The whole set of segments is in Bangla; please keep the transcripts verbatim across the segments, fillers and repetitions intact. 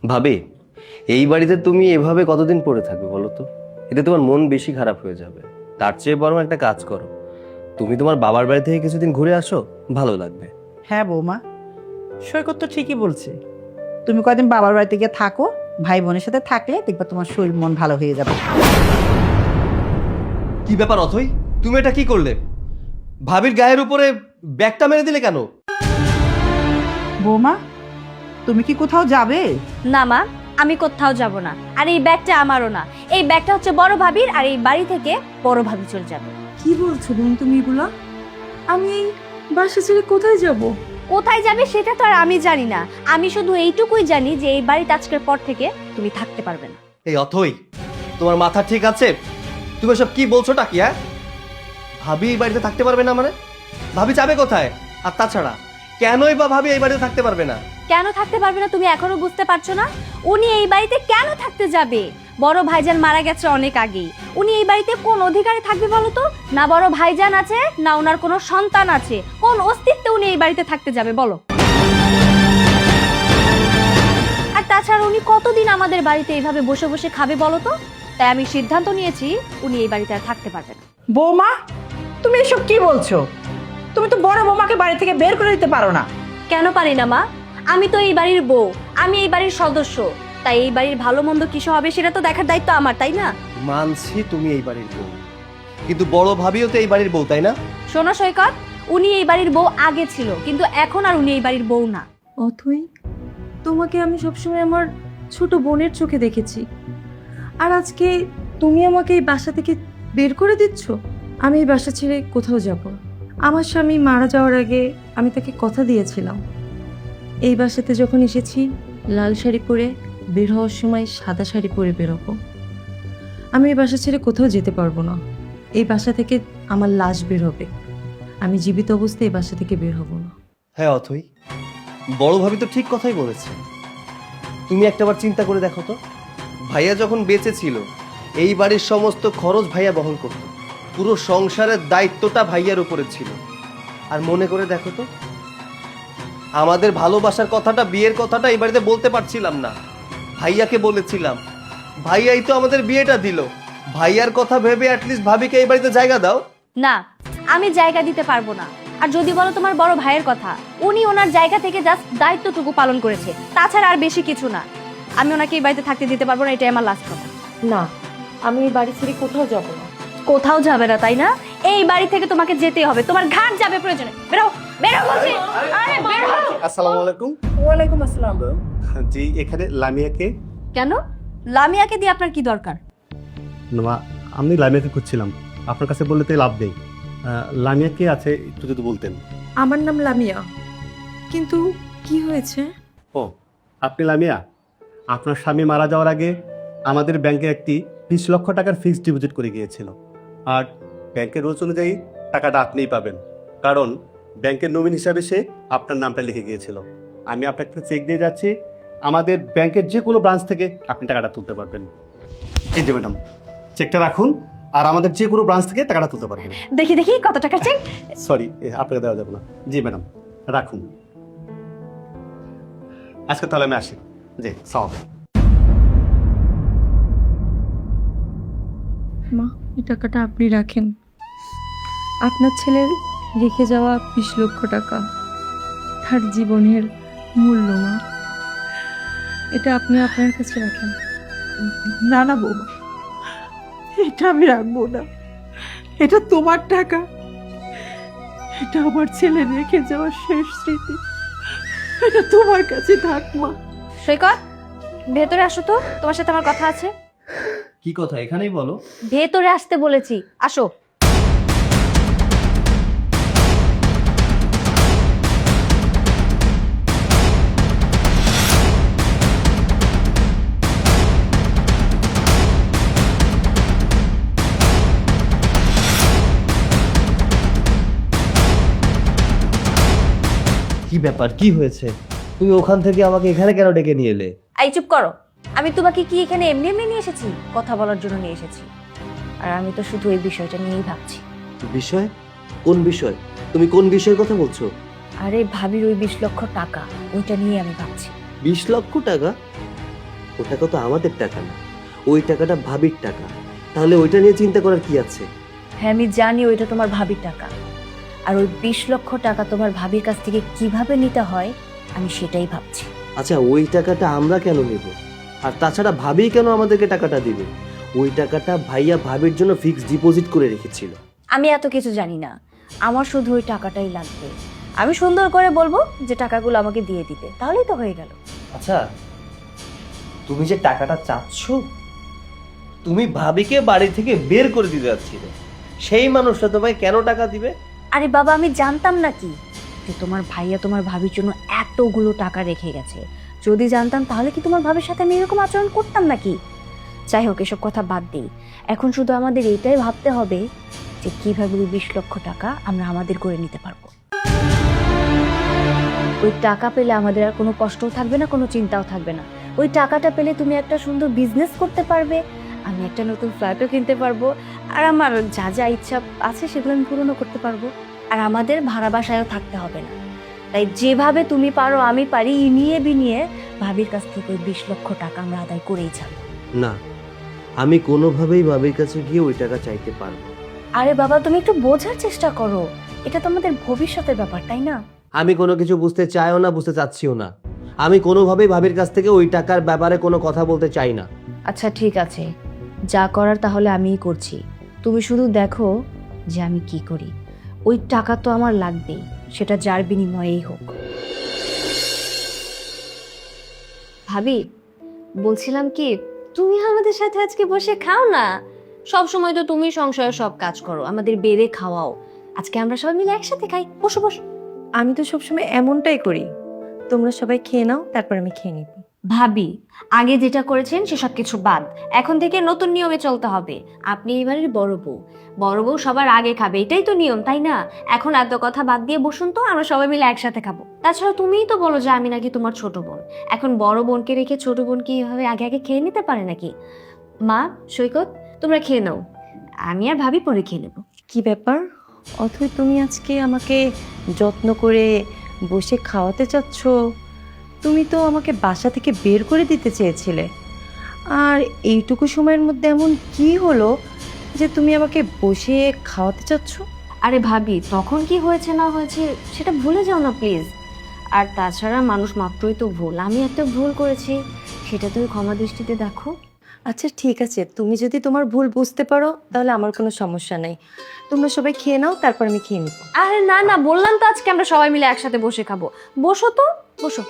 ভাবি, এই বাড়িতে তুমি এভাবে কতদিন পড়ে থাকবে বলো তো? এতে তোমার মন বেশি খারাপ হয়ে যাবে। তার চেয়ে বরং একটা কাজ করো, তুমি তোমার বাবার বাড়ি থেকে কিছুদিন ঘুরে আসো, ভালো লাগবে। হ্যাঁ বৌমা, সৈকত তো ঠিকই বলছে। তুমি কয়দিন বাবার বাড়িতে গিয়ে থাকো, ভাই বোনের সাথে থাকলে দেখবা তোমার শরীর মন ভালো হয়ে যাবে। কি ব্যাপার অথই, তুমি এটা কি করলে? ভাবির গায়ের উপরে ব্যাগটা মেরে দিলে কেন? বৌমা, তুমি কি কোথাও যাবে? না মা, আমি কোথাও যাব না। আর এই ব্যাগটা আমারও না, এই ব্যাগটা হচ্ছে বড় ভাবির, আর এই বাড়ি থেকে বড় ভাবি চলে যাবে। কি বলছো বোন তুমি এগুলা? আমি এই বাসা ছেড়ে কোথায় যাব? কোথায় যাবে সেটা তো আর আমি জানি না। আমি শুধু এইটুকুই জানি যে এই বাড়িতে আজকের পর থেকে তুমি থাকতে পারবে না। এই অথই, তোমার মাথা ঠিক আছে? তুমি সব কি বলছোটা কি? হ্যাঁ, ভাবি এই বাড়িতে থাকতে পারবে না মানে? ভাবি যাবে কোথায়? আর তাছাড়া কেনই বা ভাবি এই বাড়িতে থাকতে পারবে না? কেন থাকতে পারবে না তুমি এখনো বুঝতে পারছো না? উনি এই বাড়িতে কেন থাকতে যাবে? বড় ভাইজান মারা গেছে অনেক আগেই। উনি এই বাড়িতে কোন অধিকারে থাকবে বলো তো? না বড় ভাইজান আছে, না ওনার কোনো সন্তান আছে। কোন অস্তিত্বে উনি এই বাড়িতে থাকতে যাবে বলো? আর তাছাড়া উনি কতদিন আমাদের বাড়িতে এইভাবে বসে বসে খাবে বলো তো? তাই আমি সিদ্ধান্ত নিয়েছি উনি এই বাড়িতে আর থাকতে পারবে না। বৌমা, তুমি এসব কি বলছো? তুমি তো বড় বৌমাকে বাড়ি থেকে বের করে দিতে পারো না। কেন পারি না মা? আমি তো এই বাড়ির বউ, আমি এই বাড়ির সদস্য। তাই এই বাড়ির ভালো মন্দ কিছু হবে সেটা তো দেখার দায়িত্ব আমার, তাই না? মানছি তুমি এই বাড়ির বউ, কিন্তু বড় ভাবিও তো এই বাড়ির বউ, তাই না? শোনো সৈকত, উনি এই বাড়ির বউ আগে ছিল, কিন্তু এখন আর উনি এই বাড়ির বউ না। অথই, তোমাকে আমি সবসময় আমার ছোট বোনের চোখে দেখেছি, আর আজকে তুমি আমাকে এই বাসা থেকে বের করে দিচ্ছ। আমি এই বাসা ছেড়ে কোথাও যাব না। আমার স্বামী মারা যাওয়ার আগে আমি তাকে কথা দিয়েছিলাম, এই বাসাতে যখন এসেছি লাল শাড়ি পরে, বের হওয়ার সময় সাদা শাড়ি পরে বেরোবো। আমি এই বাসা ছেড়ে কোথাও যেতে পারবো না। এই বাসা থেকে আমার লাশ বের হবে, আমি জীবিত অবস্থায় এই বাসা থেকে বের হব না। হ্যাঁ অথই, বড় ভাবি তো ঠিক কথাই বলেছে। তুমি একটাবার চিন্তা করে দেখো তো, ভাইয়া যখন বেঁচে ছিল এই বাড়ির সমস্ত খরচ ভাইয়া বহন করত, পুরো সংসারের দায়িত্বটা ভাইয়ার উপরে ছিল। আর মনে করে দেখো তো, আমাদের ভালোবাসার কথাটা, বিয়ের কথাটা এই বাড়িতে বলতে পারছিলাম না, ভাইয়াকে বলেছিলাম। ভাইয়াই তো আমাদের বিয়েটা দিল। ভাইয়ার কথা ভেবে অ্যাটলিস্ট ভাবিকে এই বাড়িতে জায়গা দাও। না, আমি জায়গা দিতে পারবো না। আর যদি বলো তোমার বড় ভাইয়ের কথা, উনি ওনার জায়গা থেকে জাস্ট দায়িত্বটুকু পালন করেছে, তাছাড়া আর বেশি কিছু না। আমি ওনাকে এই বাড়িতে থাকতে দিতে পারবো না, এটাই আমার লাস্ট কথা। না, আমি এই বাড়ি ছেড়ে কোথাও যাব না। কোথাও যাবে না তাই না? এই বাড়ি থেকে তোমাকে যেতে হবে, তোমার ঘাট যাবে প্রয়োজনে। বেরো, বেরো বলছি। আরে বেরো। আসসালামু আলাইকুম। ওয়ালাইকুম আসসালাম। জি, এখানে লামিয়াকে? কেন? লামিয়াকে দিয়ে আপনার কি দরকার? না, আমি লামিয়াকে খুঁজছিলাম, আপনার কাছে বললে তো লাভ নেই। আহ, লামিয়া কে আছে একটু যদি বলতেন। আমার নাম লামিয়া, কিন্তু কি হয়েছে? ও, আপনি লামিয়া? আপনার স্বামী মারা যাওয়ার আগে আমাদের ব্যাংকে একটি বিশ লক্ষ টাকার ফিক্সড ডিপোজিট করে গিয়েছিল, আর ব্যাংকের রুলস অনুযায়ী টাকাটা আপনিই পাবেন, কারণ ব্যাংকের নমিন হিসাবে সে আপনার নামটা লিখে গিয়েছিল। আমি আপনাকে চেক দিয়ে যাচ্ছি, আমাদের ব্যাংকের যে কোনো ব্রাঞ্চ থেকে আপনি টাকাটা তুলতে পারবেন। এই যে ম্যাডাম, চেকটা রাখুন, আর আমাদের যে কোনো ব্রাঞ্চ থেকে টাকাটা তুলতে পারবেন। দেখি দেখি কত টাকা চেক। সরি, আপনাকে দেওয়া যাবে না। জি ম্যাডাম, রাখুন। আজকে তাহলে আমি আসি। জি, সালাম। মা, এই টাকাটা আপনি রাখেন। আপনার ছেলের রেখে যাওয়া বিশ লক্ষ টাকা, তার জীবনের মূল্য। মা, এটা আপনি আপনার কাছে রাখেন। না না বৌমা, এটা আমি রাখবো না। এটা তোমার টাকা, এটা আমার ছেলে রেখে যাওয়ার শেষ স্মৃতি। এটা তোমার কাছে থাক মা। সৈকত, ভেতরে আসো তো, তোমার সাথে আমার কথা আছে। কি কথা, এখানেই বলো। ভেতরে আসতে বলেছি, আসো। কি ব্যাপার, কি হয়েছে? তুমি ওখান থেকে আমাকে এখানে কেন ডেকে নিয়ে এলে? এই চুপ করো। আমি তোমাকে কি এখানে এমনি এমনি নিয়ে এসেছি? কথা বলার জন্য নিয়ে এসেছি। আর আমি তো শুধু এই বিষয়টা নিয়েই ভাবছি। বিষয়? কোন বিষয়? তুমি কোন বিষয়ের কথা বলছো? আরে ভাবির ওই বিশ লক্ষ টাকা, ওইটা নিয়ে আমি ভাবছি। বিশ লক্ষ টাকা? ও টাকা তো আমাদের টাকা না, ওই টাকাটা ভাবির টাকা। তাহলে ওইটা নিয়ে চিন্তা করার কি আছে? হ্যাঁ আমি জানি ওইটা তোমার ভাবির টাকা, আর ওই বিশ লক্ষ টাকা তোমার ভাবির কাছ থেকে কিভাবে নিতে হয় আমি সেটাই ভাবছি। আচ্ছা, ওই টাকাটা আমরা কেন নেব? আর তাছাড়া ভাবি কেন আমাদেরকে টাকাটা দিবে? ওই টাকাটা ভাইয়া ভাবির জন্য ফিক্সড ডিপোজিট করে রেখেছিল। আমি এত কিছু জানি না, আমার শুধু ওই টাকাটাই লাগবে। আমি সুন্দর করে বলবো যে টাকাগুলো আমাকে দিয়ে দিতে, তাহলেই তো হয়ে গেল। আচ্ছা, তুমি যে টাকাটা চাচ্ছ, তুমি ভাবিকে বাড়ি থেকে বের করে দিতে যাচ্ছিলে, সেই মানুষটা তোমায় কেন টাকা দিবে? আরে বাবা, আমি জানতাম নাকি যে তোমার ভাইয়া তোমার ভাবির জন্য এতগুলো টাকা রেখে গেছে? যদি জানতাম তাহলে কি তোমার ভাবির সাথে আমি এরকম আচরণ করতাম নাকি? যাই হোক, এসব কথা বাদ দিই। এখন শুধু আমাদের এইটাই ভাবতে হবে যে কিভাবে ওই বিশ লক্ষ টাকা আমরা আমাদের করে নিতে পারবো। ওই টাকা পেলে আমাদের আর কোনো কষ্টও থাকবে না, কোনো চিন্তাও থাকবে না। ওই টাকাটা পেলে তুমি একটা সুন্দর বিজনেস করতে পারবে, আমি একটা নতুন ফ্ল্যাটও কিনতে পারবো, আর আমার যা যা ইচ্ছা আছে সেগুলো আমি পূরণও করতে পারবো। আর আমাদের ভাড়া বাসায়ও থাকতে হবে না। তাই যেভাবে তুমি পারো আমি পারি, ইনিয়ে বিনিয়ে ভাবির কাছ থেকে ওই বিশ লক্ষ টাকা আমরা আদায় করেই ছাড়বো। না, আমি কোনোভাবেই ভাবির কাছে গিয়ে ওই টাকা চাইতে পারবো। আরে বাবা, তুমি একটু বোঝার চেষ্টা করো, এটা তো আমাদের ভবিষ্যতের ব্যাপার, তাই না? আমি কোনো কিছু বুঝতে চাইও না, বুঝতে চাচ্ছিও না। আমি কোনোভাবেই ভাবির কাছ থেকে ওই টাকার ব্যাপারে কোনো কথা বলতে চাই না। আচ্ছা ঠিক আছে, যা করার তাহলে আমিই করছি। তুমি শুধু দেখো যে আমি কি করি। ওই টাকা তো আমার লাগবেই, সেটা যার বিনিময়েই হোক। ভাবি, বলছিলাম কি, তুমি আমাদের সাথে আজকে বসে খাও না। সব সময় তো তুমি সংসারে সব কাজ করো, আমাদের বেড়ে খাওয়াও। আজকে আমরা সবাই মিলে একসাথে খাই, বসো বসো। আমি তো সবসময় এমনটাই করি, তোমরা সবাই খেয়ে নাও, তারপর আমি খেয়ে নিব। ভাবি, আগে যেটা করেছেন সেসব কিছু বাদ, এখন থেকে নতুন নিয়মে চলতে হবে। আপনি এবারের বড় বউ, বড় বউ সবার আগে খাবে, এটাই তো নিয়ম, তাই না? এখন এত কথা বাদ দিয়ে বসুন তো, আমরা সবাই মিলে একসাথে খাবো। তাছাড়া তুমিই তো বলো যে আমি নাকি তোমার ছোট বোন, এখন বড় বোনকে রেখে ছোট বোন কি এভাবে আগে আগে খেয়ে নিতে পারে নাকি? মা, সৈকত, তোমরা খেয়ে নাও, আমি আর ভাবি পরে খেয়ে নেবো। কি ব্যাপার অথই, তুমি আজকে আমাকে যত্ন করে বসে খাওয়াতে চাচ্ছ? তুমি তো আমাকে বাসা থেকে বের করে দিতে চেয়েছিলে, আর এইটুকু সময়ের মধ্যে এমন কি হলো যে তুমি আমাকে বসে খাওয়াতে চাচ্ছ? আরে ভাবি, তখন কি হয়েছে না হয়েছে সেটা ভুলে যাও না প্লিজ। আর তাছাড়া মানুষ মাত্রই তো ভুল, আমি একটা ভুল করেছি, সেটা তুমি ক্ষমা দৃষ্টিতে দেখো। আচ্ছা ঠিক আছে, তুমি যদি তোমার ভুল বুঝতে পারো তাহলে আমার কোনো সমস্যা নেই। তোমরা সবাই খেয়ে নাও, তারপর আমি খেয়ে নিব। আরে না না, বললাম তো আজকে আমরা সবাই মিলে একসাথে বসে খাবো। বসো তো, বসো।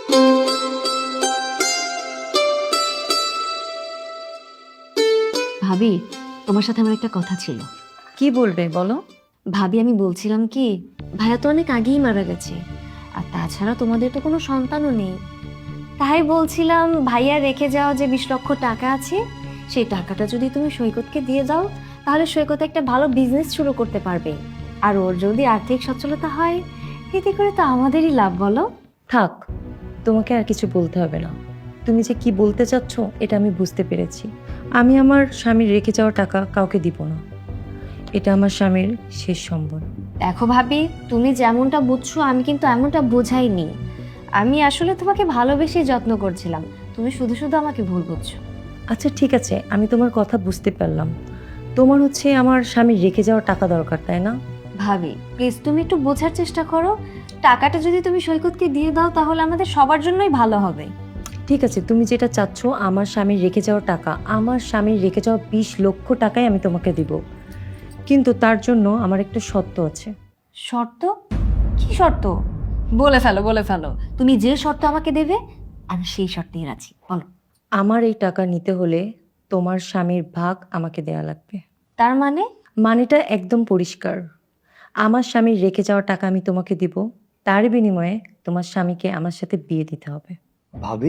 ভাবি, তোমার সাথে আমার একটা কথা ছিল। কি বলবে বলো? ভাবি, আমি বলছিলাম কি, ভাইয়া তো অনেক আগেই মারা গেছে, আর তাছাড়া তোমাদের তো কোনো সন্তানও নেই। তাই বলছিলাম, ভাইয়া রেখে যাওয়া যে বিশ লক্ষ টাকা আছে, সেই টাকাটা যদি তুমি সৈকতকে দিয়ে দাও, তাহলে সৈকত একটা ভালো বিজনেস শুরু করতে পারবে। আর ওর যদি আর্থিক সচ্ছলতা হয়, এতে করে তো আমাদেরই লাভ, বলো? থাক, তোমাকে আর কিছু বলতে হবে না। তুমি যে কি বলতে চাচ্ছ এটা আমি বুঝতে পেরেছি। আমি আমার স্বামীর রেখে যাওয়া টাকা কাউকে দিব না, এটা আমার স্বামীর শেষ সম্বল। দেখো ভাবি, তুমি যেমনটা বুঝছো আমি কিন্তু এমনটা বোঝাইনি। আমি আসলে তোমাকে ভালোবেসে যত্ন করছিলাম, তুমি শুধু শুধু আমাকে ভুল বুঝছো। আচ্ছা ঠিক আছে, আমি তোমার কথা বুঝতে পারলাম। তোমার হচ্ছে আমার স্বামীর রেখে যাওয়া টাকা দরকার, তাই না? ভাবি প্লিজ, তুমি একটু বোঝার চেষ্টা করো। টাকাটা যদি তুমি সৈকতকে দিয়ে দাও তাহলে আমাদের সবার জন্যই ভালো হবে। ঠিক আছে, তুমি যেটা চাচ্ছ, আমার স্বামীর রেখে যাওয়া টাকা, আমার স্বামীর রেখে যাওয়া বিশ লক্ষ টাকাই আমি তোমাকে দিব, কিন্তু তার জন্য আমার একটা শর্ত আছে। শর্ত? কি শর্ত? বলে ফেলো, বলে ফেলো। তুমি যে শর্ত আমাকে দেবে আমি সেই শর্তেই রাজি, বলো। আমার এই টাকা নিতে হলে তোমার স্বামীর ভাগ আমাকে দেয়া লাগবে। তার মানে? মানেটা একদম পরিষ্কার। আমার স্বামীর রেখে যাওয়া টাকা আমি তোমাকে দিব, তার বিনিময়ে তোমার স্বামীকে আমার সাথে বিয়ে দিতে হবে। ভাবি,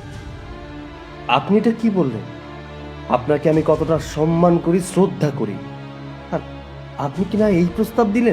আপনি এটা কি বললেন? আপনাকে আমি কতটা সম্মান করি, শ্রদ্ধা করি, আর আপনি কি না এই প্রস্তাব দিলেন?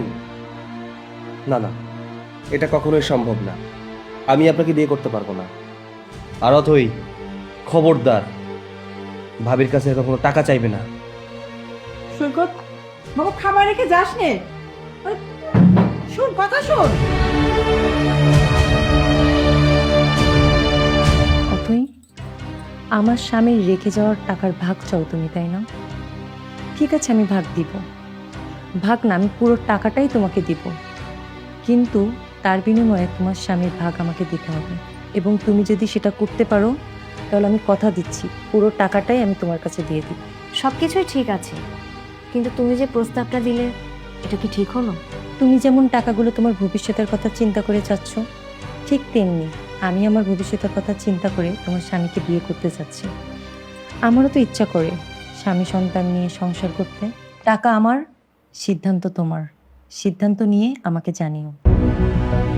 না না, এটা কখনোই সম্ভব না। আমি আপনাকে বিয়ে করতে পারবো না। আর অথই, খবরদার, ভাবির কাছে কখনো টাকা চাইবে না। সৈকত বাবা, খাবার রেখে যাস নে। আরে, শোন, কথা শোন। অথই, আমার স্বামীর রেখে যাওয়ার টাকার ভাগ চাও তুমি, তাই না? ঠিক আছে, আমি ভাগ দিব। ভাগ না, আমি পুরো টাকাটাই তোমাকে দিব, কিন্তু তার বিনিময়ে তোমার স্বামীর ভাগ আমাকে দিতে হবে। এবং তুমি যদি সেটা করতে পারো তাহলে আমি কথা দিচ্ছি পুরো টাকাটাই আমি তোমার কাছে দিয়ে দিব। সব কিছুই ঠিক আছে, কিন্তু তুমি যে প্রস্তাবটা দিলে এটা কি ঠিক হলো? তুমি যেমন টাকাগুলো তোমার ভবিষ্যতের কথা চিন্তা করে চাচ্ছ, ঠিক তেমনি আমি আমার ভবিষ্যতের কথা চিন্তা করে তোমার স্বামীকে বিয়ে করতে চাচ্ছি। আমারও তো ইচ্ছা করে স্বামী সন্তান নিয়ে সংসার করতে। টাকা আমার, সিদ্ধান্ত তোমার। সিদ্ধান্ত নিয়ে আমাকে জানিও।